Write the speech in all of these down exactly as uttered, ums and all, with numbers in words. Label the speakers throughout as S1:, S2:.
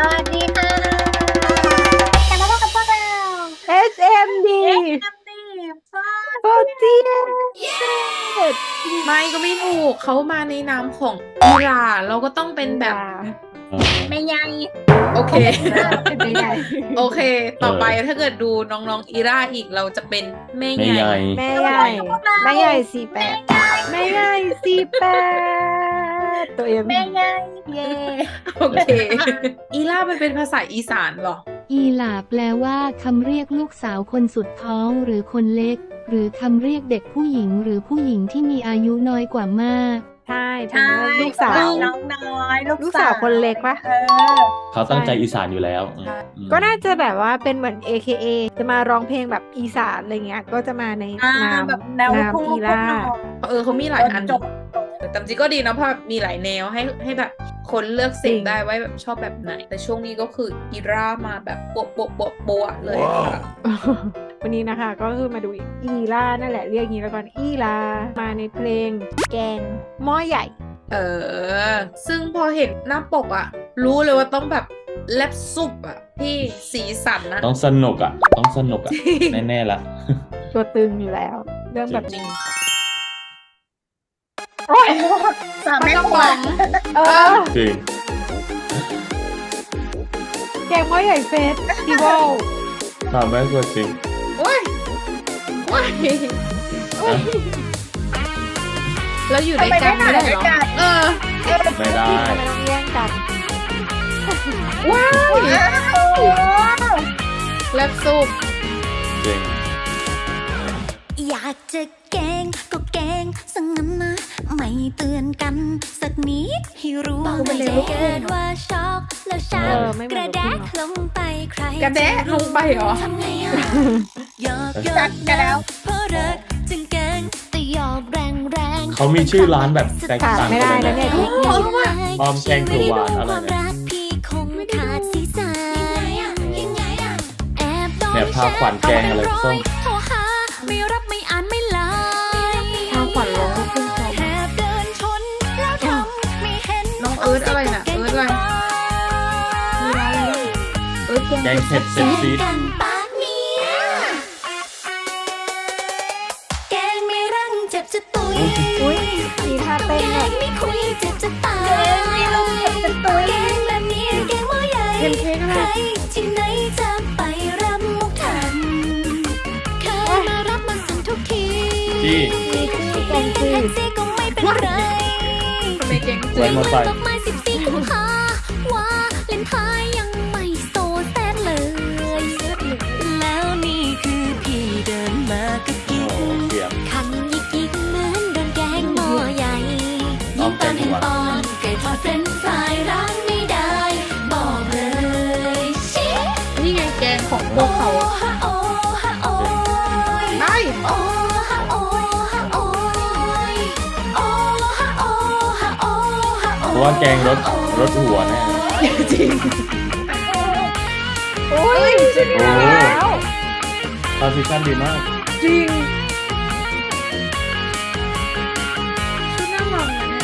S1: วัสดีค่ะกลับมาพบกับพวกเรา
S2: เอส เอ็ม ดี
S1: เอ็กซ์แอมดีฟอ
S2: โปรตีน
S3: ไม่ก็ไม่ถูกเขามาในนามของอิหร่านเราก็ต้องเป็นแบบ
S1: ไม่ใหญ่
S3: โอเค
S1: เป็นไม่ใหญ่
S3: โอเค ต่อไปถ้าเกิดดูน้องๆอิราอีกเราจะเป็นแม่
S4: ไม่
S3: ให
S4: ให
S3: ญ่
S4: ญ่
S2: แม่ใหญ่แม่ใหญ่สี่แปดแม่ใหญ่สี่แปดตัวเอ็ม
S1: ไม่ใหญ่เย่
S3: โอเคอิรามันเป็นภาษาอีสานเหรอ
S5: อีหลาแปลว่าคำเรียกลูกสาวคนสุดท้องหรือคนเล็ก หรือคำเรียกเด็กผู้หญิงหรือผู้หญิงที่มีอายุน้อยกว่ามาก
S2: ใช่เป็
S1: ใช่
S2: นลูกสาว
S1: น้องน้อยลูก
S2: ลูกสาวคนเล็กปะ
S1: เออ
S4: เขาตั้งใจอีสานอยู่แล้วอืมอืม
S2: ก็น่าจะแบบว่าเป็นเหมือน เอ เค เอ จะมาร้องเพลงแบบอีสานอะไรเงี้ยก็จะมาใน
S1: อ่าน
S2: าม
S1: แบบแนว
S2: นาม
S1: คู่
S2: อีล่า
S3: เออเขามีหลายอัน
S1: จบ
S3: แต่จริงก็ดีนะเพราะแบบมีหลายแนวให้ให้แบบคนเลือกเส
S2: จริ
S3: พ
S2: ง
S3: ได้ว่าแบบชอบแบบไหน แต่ช่วงนี้ก็คืออิรามาแบบโปะโปะโปะโปะเลยค่ะ
S2: วันนี้นะคะก็คือมาดูอีล่านั่นแหละเรียกงี้แล้วกันอีลามาในเพลงแกงหม้อใหญ่
S3: เออ ซึ่งพอเห็นหน้าปกอะรู้เลยว่าต้องแบบแลบซุปอะพี่สีสันนะ
S4: ต้องสนุกอ่ะ ต้องสนุกอ่ะ แน่ๆละ
S2: ตัวตึงอยู่แล้ว เรื่องแบบ
S3: จริ
S2: นี้
S3: ง
S1: สามแม่
S3: ต้อง
S1: ค
S3: ห
S1: รัว
S3: วัง
S2: เออ
S4: จริง
S2: แกงหม้อใหญ่เฟสติวัล
S4: ถามแม่กว่าจริง
S3: โอ้ยโอ้ยแล้วอยู่ด้วยกันไม่ได้เหรอเออ
S4: ไม่ได้
S2: ทำไมต้องแย่งกัน
S3: ว้าว
S1: โอ้โห
S3: แลบซุป
S4: จริง
S6: อยากจะแกล้งก็แกล้งสังงั้นนะไม่เตือนกันสักนิดให้รู้ไม่ได้เกิดว่าช็อกแล้วช้
S2: เออไม่เห
S6: ำก
S2: มือน
S6: ระ
S2: ลูก
S6: แด
S2: ครึ่งเนอะ
S6: กลงไปใคร
S3: กระแดะลงไปเหรอ
S6: ทำไงอ่ะหยอกหย
S1: จั
S6: อ
S1: ด
S6: ก
S1: กันแล้ว
S6: เพราะรักจึงแกล้งแต่หยอกแรงแรง
S4: เขามีชื่อร้านแบบแตก
S2: ขาด
S4: ต่าง
S2: ไม่
S4: กั
S2: ได้
S4: น
S2: นะ
S4: เล
S2: เนี่ย
S4: ย
S2: ทุกที
S4: อ้อมแกงเขียวหวานอะไรเนี่ย
S6: รักพี่คงขาดสีสันยังไงอ่ะแอบโดน
S4: เนี่ยพาขวัญแกงอะไรส้ม
S6: โทรหาไม่รับไม่อ่านไม่ไลน์
S3: ทางขวัญร้องลูกทุ่งเขา
S6: แอบเดินชนแล้วทำไม่เห็น
S3: น้องเอิร์ธอะไรน่ะเอิร์ธอะไร มีร้านอะไรบ้างเออแกง
S4: แกงเผ็ดเผ็ดซีด
S6: กันปากเนี่ยแกงไม่รังเจ็บจะตุย
S2: อุ้ยมีท่าเต้น
S6: แก
S2: เนี่ย
S6: งไม่คุยเจ็บจะตาย
S1: แกงไม่ลงเจ็บจะตุย
S6: แกงแบบนี้แกงหม้อใหญ่
S3: เพนเค้กอะไร
S6: ใครที่ไหนจะไปรับมุกทันเคยมารับมาส่งทุกที
S4: จี้
S2: มีชื่อแกงจื
S6: แท็ก
S2: ด
S6: ซี่ก็ไม่เป็นไร
S3: ทำไมแกงจื
S4: ไว้
S3: ด
S4: มอไซค์
S6: ดอกไม้สิบสี่กุมภาว่าเล่นท้ายยังไม่โซแซดเลย แล้วนี่คือพี่เดินมากับ
S4: โอ้
S6: กิ๊ก
S4: เสียม
S6: คันยิกยิกเหมือนโดนแกงหม้อใหญ่
S4: น้
S6: ยิ่
S4: อง ง
S6: ตอนเห็น
S4: แกงหวาน
S6: ตอนไก่ทอดเฟรนช์ฟรายร้านไม่ได้ บอกเลยชิ
S3: นี่ไงแกงของพวกเขา
S6: ฮะโอฮะโอ้ย
S3: ได้
S6: โอฮะโอฮะโอ้ยโอฮะโอฮะโอฮะโอ้
S4: เพราะว่าแกงรสรสหัวแน่
S3: จริง
S2: อุ้ยชื่อ
S4: โอ้
S2: แล้ว
S4: ทาร์ซิชั่นดีมาก
S3: จริงชื่อน่ารักนะเนี่ย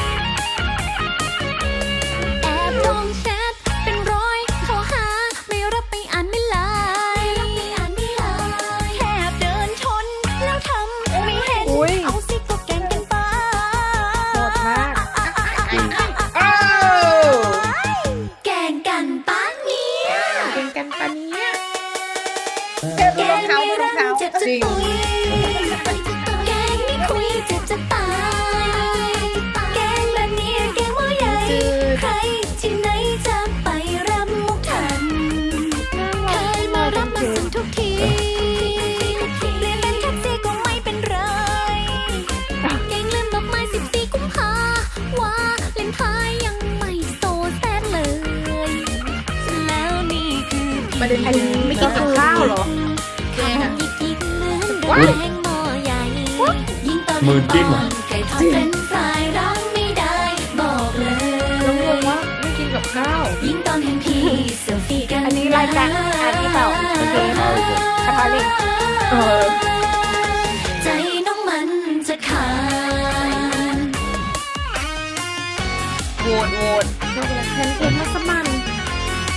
S6: แอบลงแชทเป็นร้อยโทรหาไม่รับไม่อ่านไม่ไลน์แค่เดินชนแล้วทำไม่เห็น
S2: อุ้ย
S6: เอาสิก็แกล้งกันไป
S2: โหดมาก
S4: จริง
S3: อ้าว
S6: แกล้งกันปะเนี่ย
S3: แกงกันปะเนี้ย
S1: เจอดูรองเท้าดูรองเท้า
S6: เจ็บจะ
S3: จริง
S6: ตุยแกล้งไม่คุยเจ็บจะตายแกล้งแบบนี้แกล้งว่าใหญ่
S3: จืด
S6: ใครที่ไหนจะไปรับมุกทันเคยมารับมาส่งทุกทีเรียนเป็นแท็กซี่ก็ไม่เป็นไรแกล้งลืมดอกไม้สิบสี่กุมภาว่าเล่นท้ายยังไม่โซแซดเลย แล้วนี่คือ
S3: ประเด็นคือไม่กินกับข้าวเหรอ แกงอะ
S6: ยิกๆเหมือนโดน
S3: ว้าย
S6: แกงหม้อใหญ่ยิ่งตอน
S4: มือจิ้มอะ
S6: ไก่ทอดเฟรนช์ฟรายร้านไม่ได้ บอกเล
S3: น้องง
S6: ย
S3: งว่าไม่กินกับข้าว
S6: ยิ่งตอนเห็นพี่เซลฟี่กัน
S2: อันนี้รายการอันนี้เปล่าโอเค
S4: เอาอีกแล้ว
S2: กระทะเหล็ก
S3: เออ
S6: ใจน้องมันจะขาด
S3: โหวตโหวตแพนเค้กมัสมั่น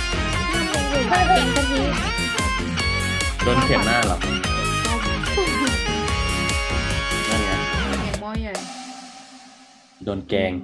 S1: เก่งกะทิ
S4: โดนเข็มหน้าเหรอนั่นไง
S3: แกงหม้อใหญ่
S4: โดนแกง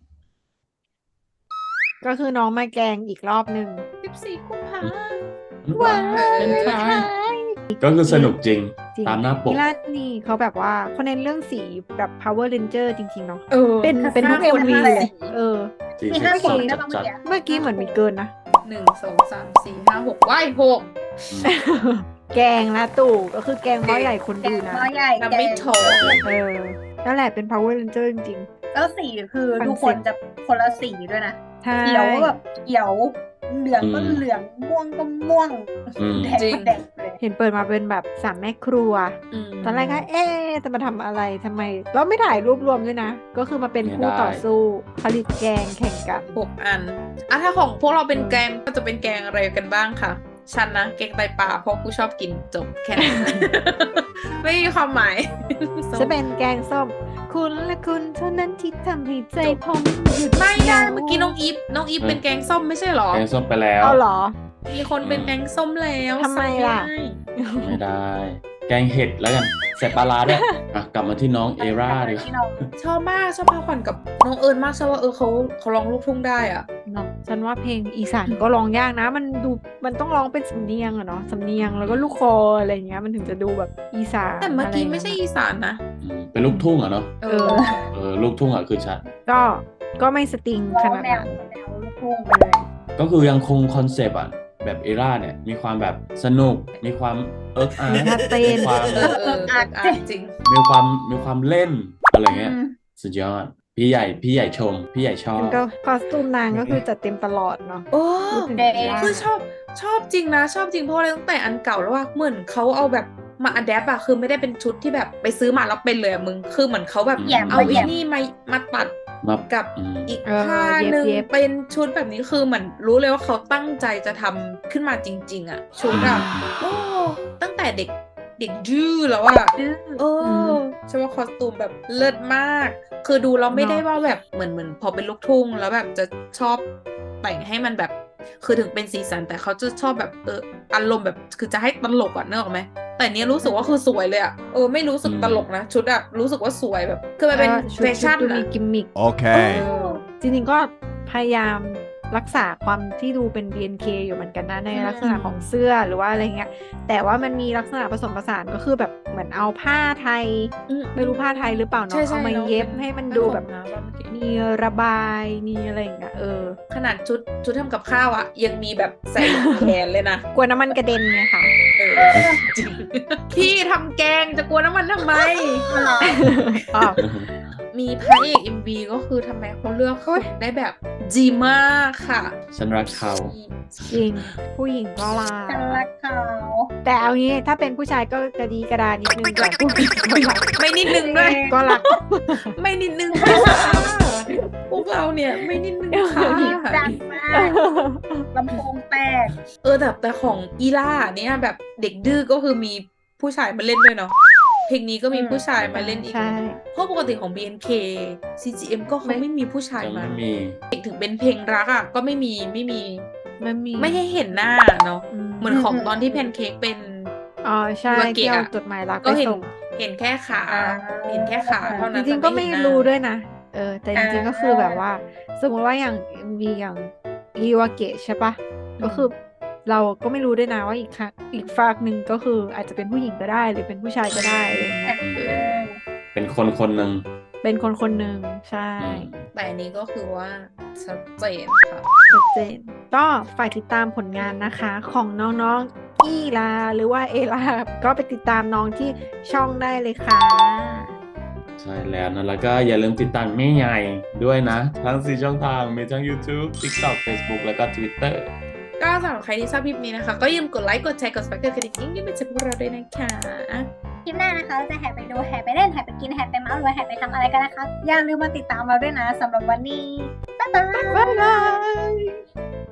S2: ก็คือน้องมาแกงอีกรอบหนึ่ง
S3: สิบสี่กุมภา
S2: ว้า
S4: เป็นไทยก็คือสนุกจริง
S2: จริง
S4: ตามหน้าปก
S2: อีล่านี่เขาแบบว่าเขาเน้นเรื่องสีแบบ power ranger จริงๆเนาะ
S3: เออ
S2: เป็นเป็นทุก
S3: ห้า
S2: เอ็ม
S3: คน
S2: วี
S3: ห้า
S2: เลย
S3: สี
S2: เออ
S4: สี่
S1: มี
S4: สิบ
S1: ห้า
S4: ส
S1: สี
S4: อง
S1: นะ
S4: จัด
S1: บาง
S4: จัด
S1: ทีอะ
S2: เมื่อกี้เหมือนมีเกินนะ
S3: หนึ่งสองสามสี่ห้าหกว้ายหก
S2: แกงนะตู่ก็คือแกงหม้อใหญ่คน
S1: แก
S2: ดู
S1: ง
S2: นะ
S1: หม้อใหญ่
S3: นับไม่
S1: แกง
S3: โถ
S2: เออนั่นแหละเป็น power ranger จริง
S1: แล้วสีคือ
S2: คอนเซ็ปต์
S1: ทุกคนจะคนละสีด้วยนะ
S2: ๆใช่
S1: เขียวแบบเขียวเหลืองก็
S4: อืม
S1: เหลืองม่วงก็ม่วง
S4: อืม
S1: แดงก็แดงเลย
S2: เห็นเปิดมาเป็นแบบสามแม่ครัว
S3: อืม
S2: ตอนแรกก็เอ๊ะจะมาทำอะไรทำไมแล้วไม่ถ่ายรูปรวมด้วยนะ ก็คือมาเป็นคู่ต่อสู้ผลิตแกงแข่งกัน
S3: หกอันอ่ะถ้าของพวกเราเป็นแกงก็จะเป็นแกงอะไรกันบ้างค่ะฉันนะแกงไตปลาเพราะกูชอบกินจบแค่นั้น ไม่มีความหมาย
S2: จะเป็นแกงส้ม คุณและคุณเท่านั้นที่ทำให้ใจผมหยุด
S3: ไม่ได้
S2: ยั้ง
S3: เมื่อกี้น้องอีฟน้องอีฟเป็นแกงส้มไม่ใช่หรอ
S4: แกงส้มไปแล้ว
S2: เอาเหรอ
S3: มีคนเป็นแกงส้มแล้ว
S2: ทำไมล่ะ
S3: สั่งด้
S4: ไม่ได้ แกงเห็ดแล้วกันใส่ปลาร้าด้วยอ่ะกลับมาที่น้องเอร่าดีกว่า
S1: ที่เรา
S3: ชอบมากชอบพาขวัญกับน้องเอิญมากชอบว่าเออเขาเขาร้องลูกทุ่งได้อ่ะ
S2: เนาะฉันว่าเพลงอีสานก็ร้องยากนะ มันดูมันต้องร้องเป็นสำเนียงอะเนาะสำเนียงแล้วก็ลูกคออะไรอย่างเงี้ยมันถึงจะดูแบบอีสาน
S3: แต่เมื่อกี้ไม่ใช่
S2: ะร
S3: อีสานนะ
S4: อืมเป็นลูกทุ่งเหรอเนาะ
S3: เอ
S2: เอ
S3: อ
S2: อ
S4: เออลูกทุ่งอ่ะคือชัด
S2: ก็ก็ไม่สตริง
S1: ร้
S2: ข
S1: อง
S2: นาด
S1: แนว
S2: นั้น
S1: แนวลูกทุ่งไปเลย
S4: ก็คือยังคงคอนเซปต์อ่ะแบบเอร่าเนี่ยมีความแบบสนุกมีความเอิร์กอาร์
S2: มีท่าเต้น
S4: มีความ
S3: เออเอออ่านจริง
S4: มีความมีความเล่นอะไรเงี้ย
S1: อืม
S4: สุดยอดพี่ใหญ่พี่ใหญ่ชม พี่ใหญ่ชอบ
S2: มันก็คอสตูมนางก็คือจัดเต็มตลอดเนาะ
S3: โอ้
S2: พูดถึง
S1: เด็ก
S2: อีล่า
S3: คือชอบชอบจริงนะ ชอบจริงเพราะอะไรตั้งแต่อันเก่าแล้วว่าเหมือนเขาเอาแบบมาอัดแอปอะคือไม่ได้เป็นชุดที่แบบไปซื้อมาแล้วเป็นเลยอะมึงคือเหมือนเขาแบบ
S1: แยม
S3: เอา
S1: มาแย
S3: อี
S1: ม
S3: นี่มามาตัด
S4: มา
S3: กับ
S4: อืม
S3: อีก
S2: เออ
S3: ผ้าหนึ่ง
S2: เย็บๆ
S3: เป็นชุดแบบนี้คือเหมือนรู้เลยว่าเขาตั้งใจจะทำขึ้นมาจริง ๆอะชุดอะโอ้ตั้งแต่เด็กเด็กดื้อแล้วอะเออใช่ว่าคอสตูมแบบเลิศมาก คือดูเราไม่ได้ว่าแบบเหมือนเหมือนพอเป็นลูกทุ่งแล้วแบบจะชอบแต่งให้มันแบบ คือถึงเป็นสีสันแต่เขาจะชอบแบบเอออารมณ์แบบคือจะให้ตลกอ่ะนึกออกไหมแต่เนี้ยรู้สึกว่าคือสวยเลยอ่ะเออไม่รู้สึกตลกนะชุดอ่ะรู้สึกว่าสวยแบบคือมันเป็น
S2: ก็ชุด
S3: แฟชั่น
S2: ชุดดู
S3: อ่ะ
S2: มีกิมมิค
S7: Okay.
S2: เออจริงๆก็พยายามรักษาความที่ดูเป็น บี เอ็น เค อยู่เหมือนกันนะใน
S1: อืม
S2: ลักษณะของเสื้อหรือว่าอะไรเงี้ย แต่ว่ามันมีลักษณะผสมผสานก็คือแบบเหมือนเอาผ้าไทย
S3: อื
S2: ไม่รู้ผ้าไทยหรือเปล่าเนาะ
S3: ใช่ใช่
S2: เอามา
S3: เนอะ
S2: เย็บ
S3: เป็น
S2: ให้มัน
S3: ผ้า
S2: ดู
S3: ขน
S2: แบบ
S3: นะว่าเมื่อกี้
S2: มีระบายมีอะไรอย่างเงี้ยเออ
S3: ขนาดชุดชุดทำกับข้าวอ่ะยังมีแบบใส่แขนเลยนะ
S2: กลัวน้ำมันกระเด็นไงค่ะ
S3: เออจริงพี่ทำแกงจะกลัวน้ำมันทำไม
S2: อ้าว
S3: มีพระเอก เอ็ม วี ก็คือทำไมเขาเลือกคนได้แบบดีมากค่ะ
S4: ฉันรักเขา
S2: จริงผู้หญิงก็ลา
S1: ฉันรักเขา
S2: แต่เอางี้ถ้าเป็นผู้ชายก็กระดีกระดานิดนึงแต่ผู้หญิงก็รัก
S3: ไม่นิดนึงด้วย
S2: ก็รัก
S3: ไม่นิดนึงค่ะพวกเราเนี่ยไม่นิดนึงค่ะ
S1: ดังมากลำโพงแตก
S3: เออแต่แต่ของอีล่าเนี่ยแบบเด็กดื้อก็คือมีผู้ชายมาเล่นด้วยเนาะเพลงนี้ก็มี
S1: อืม
S3: ผู้ชายมาเล่นอีก
S2: ใช่
S3: เพราะปกติของ บี เอ็น เค ซี จี เอ็ม ก็เขาไม่มีผู้ชาย
S4: จะ
S3: มา
S4: ไม่มี
S3: ถึงเป็นเพลงรักอ่ะก็ไม่มีไม่มี
S2: มันมี
S3: ไม่ให้เห็นหน้าเนาะ
S2: อืม
S3: เหมือนของตอนที่แพนเค้กเป็น
S2: อ๋อใช่
S3: วาเกะ
S2: ที่เอา
S3: อะ
S2: จดหมายรัก
S3: ก็
S2: ไป
S3: เห็น
S2: ส่ง
S3: เห็นแค่ขา
S1: อ่า
S3: เห็นแค่ขาเท่า
S2: จ
S3: นั้น
S2: ริงๆก็ไม่
S3: แต่เห็นหน้า
S2: รู้ด้วยนะ เออ แต่จริงๆ
S1: อ่า
S2: ก็คือแบบว่า สมมติว่าอย่าง เอ็ม วี อย่างอีวาเกะใช่ปะก็คือเราก็ไม่รู้ด้วยนะว่าอีกครั้งอีกฝากหนึ่งก็คืออาจจะเป็นผู้หญิงก็ได้ หรือเป็นผู้ชายก็ได้อะไรอย่างเงี้ย
S4: อืมเป็นคนคนหนึ่ง
S2: เป็นคนคนหนึ่งใช่
S4: อืม
S3: แต่อันนี้ก็คือว่าชัดเจนค่ะ
S2: ชัดเจนก็ฝากติดตามผลงานนะคะ ของน้องๆอีลาหรือว่าเอลาก็ไปติดตามน้องที่ช่องได้เลยค่ะ
S4: ใช่แล้วนะแล้วก็อย่าลืมติดตามแม่ใหญ่ด้วยนะ ทั้งสี่ช่องทางมีทั้ง YouTube TikTok Facebook แล้วก็ Twitter
S3: ก็สำหรับใครที่ชอบคลิปนี้นะคะ ก็อย่าลืมกดไลค์กดแชร์กด subscribe กดกระดิ่งยิ่งยิ่งเป็นเจอพวกเราด้วยนะคะ
S1: คลิปหน้านะคะเราจะแห่ไปดูแห่ไปเล่นแห่ไปกินแห่ไปเมาส์หรือว่าแห่ไปทำอะไรกันนะคะ อย่าลืมมาติดตามเราด้วยนะสำหรับวันนี้ บ๊ายบาย
S2: บ๊ายบาย